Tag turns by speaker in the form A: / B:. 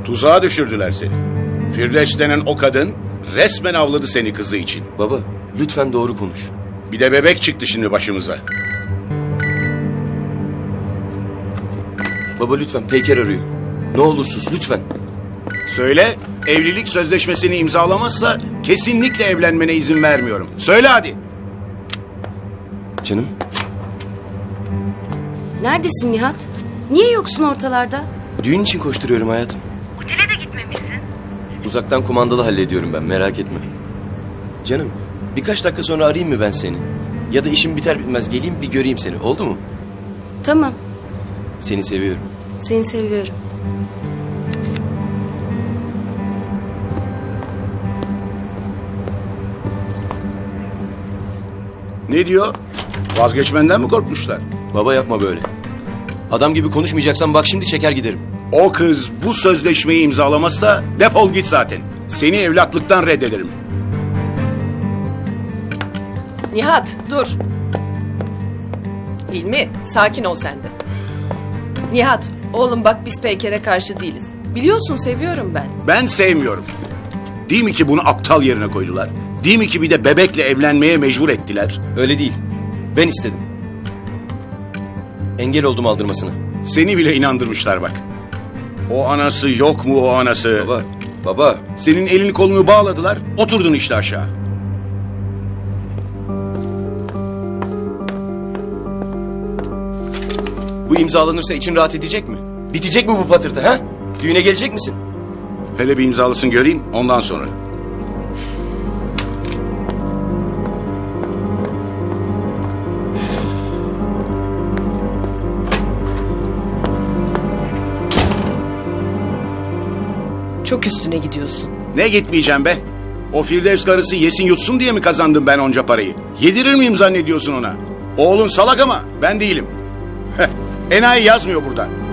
A: Tuzağa düşürdüler seni. Firdevs denen o kadın resmen avladı seni kızı için.
B: Baba, lütfen doğru konuş.
A: Bir de bebek çıktı şimdi başımıza.
B: Baba lütfen, Peyker arıyor. Ne olur sus, lütfen.
A: Söyle, evlilik sözleşmesini imzalamazsa kesinlikle evlenmene izin vermiyorum. Söyle hadi.
B: Canım,
C: Neredesin Nihat? Niye yoksun ortalarda?
B: düğün için koşturuyorum hayatım.
C: Otele de gitmemişsin.
B: Uzaktan kumandalı hallediyorum ben, merak etme. Canım, birkaç dakika sonra arayayım mı ben seni? Ya da işim biter bitmez geleyim bir göreyim seni, oldu mu?
C: Tamam,
B: Seni seviyorum.
C: seni seviyorum.
A: Ne diyor? Vazgeçmenden mi korkmuşlar?
B: Baba yapma böyle. Adam gibi konuşmayacaksan bak şimdi çeker giderim.
A: O kız bu sözleşmeyi imzalamazsa defol git zaten. Seni evlatlıktan reddederim.
D: Nihat dur. Hilmi sakin ol sen de. Nihat oğlum bak biz Peyker'e karşı değiliz. Biliyorsun seviyorum ben.
A: Ben sevmiyorum. Değil mi ki bunu aptal yerine koydular? Değil mi ki bir de bebekle evlenmeye mecbur ettiler?
B: Öyle değil. Ben istedim. Engel oldum aldırmasına.
A: Seni bile inandırmışlar bak. O anası yok mu o anası?
B: Baba.
A: Senin elini kolunu bağladılar, oturdun işte aşağı.
B: Bu imzalanırsa için rahat edecek mi? Bitecek mi bu patırtı ha? Düğüne gelecek misin?
A: Hele bir imzalısın göreyim, ondan sonra.
D: Çok üstüne gidiyorsun.
A: Ne gitmeyeceğim be? O Firdevs karısı yesin yutsun diye mi kazandım ben onca parayı? Yedirir miyim zannediyorsun ona? Oğlun salak ama ben değilim. Enayi yazmıyor burada.